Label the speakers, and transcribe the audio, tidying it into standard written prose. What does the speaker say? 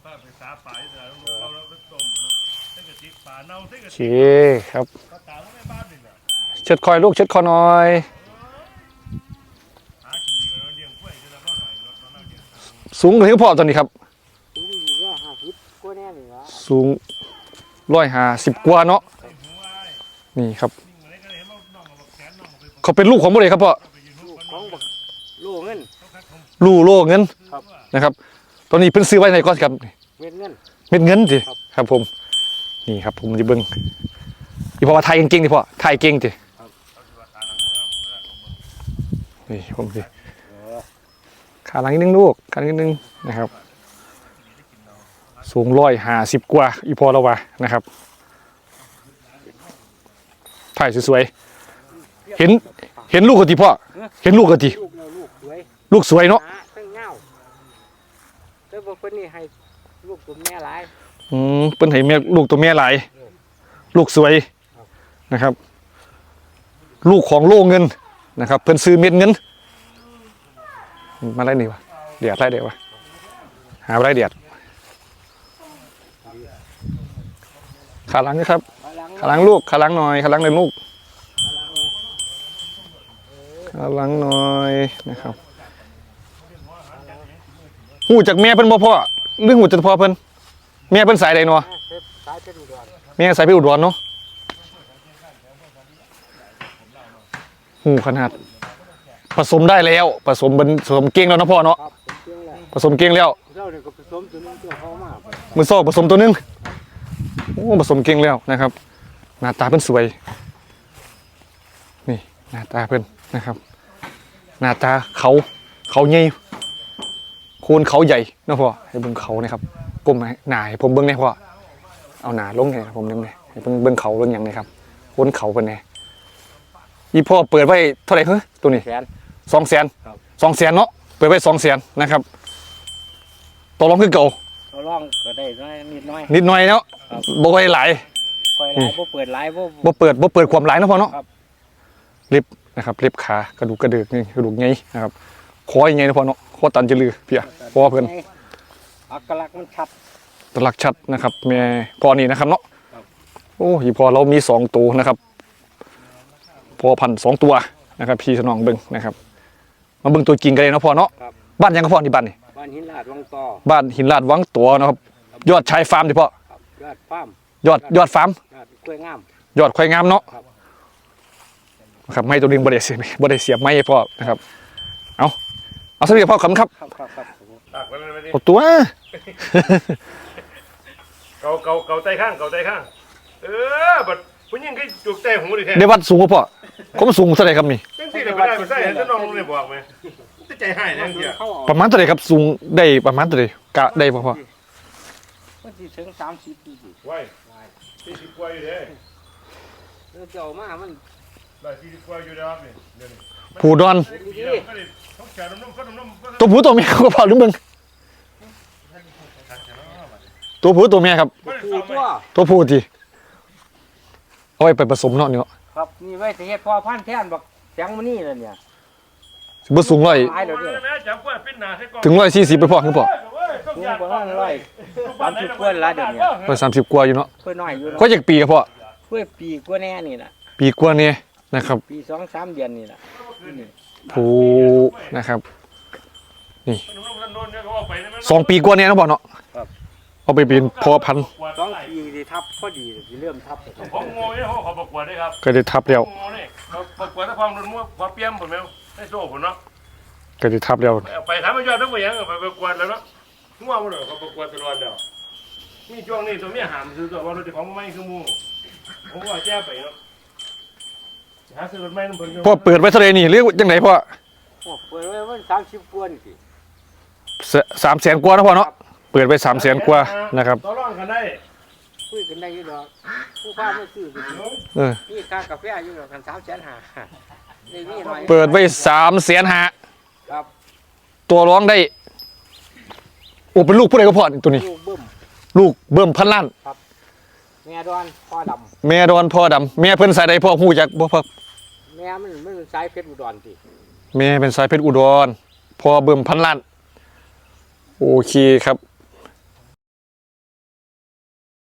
Speaker 1: โอเคครับเช็ดคอยลูกเช็ดคอหน่อยสูงถึงพอตอนนี้ครับสูง150 กว่าเนาะนี่ครับเขาเป็นลูกของบ่ได้ครับพ่อ
Speaker 2: ลูกเงิน
Speaker 1: โลเงินนะครับตอนนี้เพิ่นซื้อไว้ในก้อนครับ
Speaker 2: เม็ดเงิน
Speaker 1: ดิครับผมนี่ครับผมจะเบิ่งอีพ่อว่าไทยเก่งๆดิพ่อไทยเก่งดินี่ผมสิขาหลังนิดนึงลูกขานิดนึงนะครับสูง150 กว่าอีพ่อเราว่านะครับถ่ายสวยๆเห็นลูกกะทิพ่อเห็นลูกกะทิลูกสวยเนาะ
Speaker 2: ตั้งเงาแต่บอกเพิ่นนี่ให้ลูกตัวแม่หลาย
Speaker 1: เพิ่นให้แม่ลูกตัวแม่หลายลูกสวยนะครับลูกของโลเงินนะครับเพิ่นซื้อเม็ดเงินมาได้นี่วะเดียดไรเดียววะหาไรเดียดขาหลังนะครับขาหลังลูกขาหลังหน่อยขาหลังเลยลูกขาหลังหน่อยนะครับหูจากแม่เพิ่นบ่พ่อเรื่องหูจากพ่อเพิ่นแม่เพิ่นสายใดเนาะแม่สายไปอุดรเนาะหูขนาดผสมได้แล้วผสมเก่งแล้วนะพ่อเนาะผสมเก่งแล้วมือซอกผสมตัวนึงโอ้ผสมเก่งแล้วนะครับหน้าตาเพิ่นสวยนี่หน้าตาเพิ่นนะครับหน้าตาเขาใหญ่โคนเขาใหญ่นะพ่อให้เบิ่งเขานะครับก้มหน้าให้ผมเบิ่งได้พ่อเอาหน้าลงให้ผมเบิ่งได้ให้เบิ่งเขาเบิ่งอย่างนี้ครับโคนเขาเพิ่นแน่อีพ่อเปิดไว้เท่าไหร่เหรอตัวนี้200,000เนาะเปิดไว้200,000นะครับต่อรองคือเก่า
Speaker 2: ต่อรองก็ได้นิดห
Speaker 1: น่อยเนาะบ่ค่อยหลาย
Speaker 2: บ่เปิดหลาย
Speaker 1: บ่เปิดความหลายเนาะพ่อเนาะเล็บนะครับเล็บขากระดูกกระเดือกนี่กระดูกใหญ่นะครับคอใหญ่นะพ่อเนาะคอตันจะลือเพียคอเพิ่น
Speaker 2: อักลักษณ์มันชัด
Speaker 1: ตลักชัดนะครับแม่พ่อนี่นะครับเนาะโอ้ยพ่อเรามี2ตัวนะครับพ่อพัน2ตัวนะครับพี่สนองเบิ่งนะครับมาเบิ่งตัวจริงกันเลยนะพ่อเนาะบ้านยังก็พ่อที่บ้านนี่
Speaker 2: บ้านหินลาดวังต่อ
Speaker 1: บ้านหินลาดวังตัวนะครับยอดชายฟาร์มดิพ่อยอดฟาร์มยอดฟาร์ม
Speaker 2: ควายงาม
Speaker 1: ยอดควายงามเนาะครับไม่ตัวนึงบ่ได้เสียบไม้พ่อนะครับเอาสักทีพ่อขอบคุณครับเอาตัว
Speaker 3: เก่าใจข้างบัดผู้หญิงก็จุกใจหูดิแท้
Speaker 1: ได้วัดสูงป่ะพ่อผมสูงเท่าไหร่ครับนี่
Speaker 3: จังซี่ได้บ่ได้ใส่จะน้องเลยบอกมั้ยจะใจหายจังซี่
Speaker 1: ประมาณเท่าไหร่ครับสูงได้ประมาณเท่าไหร่กะได้พ่อ
Speaker 2: มันสิถึง30ปี
Speaker 3: ไว้40กว่าอยู่เด้
Speaker 2: เจ้ามามัน
Speaker 3: ได้40กว่าอยู่แล้วนี่เดี๋ยวนี้
Speaker 1: ผู้ดอนตัวผู้ตัวเมียก็พอหรือมึงตัวผู้ตัวเมียครับตัวผู้ทีเอาไปผสมเนาะเนี่ย
Speaker 2: ครับนี่ไว้สิเฮ็ดพอพันธุ์แทนบักแสงมื้อนี้แล้วเนี่ย
Speaker 1: บ่สูงถึง140ไปพ่อคือพ่อ
Speaker 2: 30กว่าละเดี๋ยวนี้
Speaker 1: 130กว่าอยู่เนาะ
Speaker 2: เพิ่นน้อยอยู่
Speaker 1: ก็จักปีครับพ่อ
Speaker 2: เพิ่นปีกว่าแน่นี่ล่ะ
Speaker 1: ปีกว่านี่นะครับ
Speaker 2: ปี 2-3 เดือนนี่ล่ะ
Speaker 1: ผู้นะครับนี่2 ปีกว่านี่นะพ่อเนาะเอาไปเป็นพ่อพันธุ์
Speaker 2: 2 ปีสิทับพอดีสิเริ่มทับ
Speaker 3: ผมงงนี่เขาประกวดได้ครับ
Speaker 1: ก็ได้ทับแล้ว
Speaker 3: เขาประกวดถ้าความรุนมั่วความเปี้ยมผมแล้วได้โซ่ผมเนาะ
Speaker 1: ก็ได้ทับแล้ว
Speaker 3: ไปทำให้ยอดทั้งหมดยังไปประกวดแล้วเนาะมั่วหมดเลยเขาประกวดตลอดเดียวมีช่วงนี้ตัวเมียหามซื้อตัวว่ารถของไม่คือมูผมว่าแจ้ไปเนาะหาซื้อรถไม่ต้อง
Speaker 1: พ่อเปิดไว้เท่าไรนี่หรือยังไงพ่อ
Speaker 2: เปิดไว้มัน30กว่านี่
Speaker 1: 300,000 กว่านะพ่อเนาะเปิดไป300,000 กว่านะครับ
Speaker 3: ต่อรองกันได้
Speaker 2: คุยกันได้อยู่ดอกผู้พาไม่ซื้อนี่ค่ากาแฟอยู่ดอกกัน350,000ได้มีหน่อย
Speaker 1: เปิดไว้350,000
Speaker 2: ครับ
Speaker 1: ตัวร้องได้โอ้เป็นลูกผู้ใดก็พ่อตัวนี้ลูกเบิ่มพันล้าน
Speaker 2: ครับแม่ดอนพ่อดำ
Speaker 1: แม่เพิ่นสายใดพ่อฮู้จักบ่พ่อ
Speaker 2: แม่มันสายเพชรอุดรติ
Speaker 1: แม่เป็นสายเพชรอุดรพ่อเบิ่มพันล้านโอเคครับ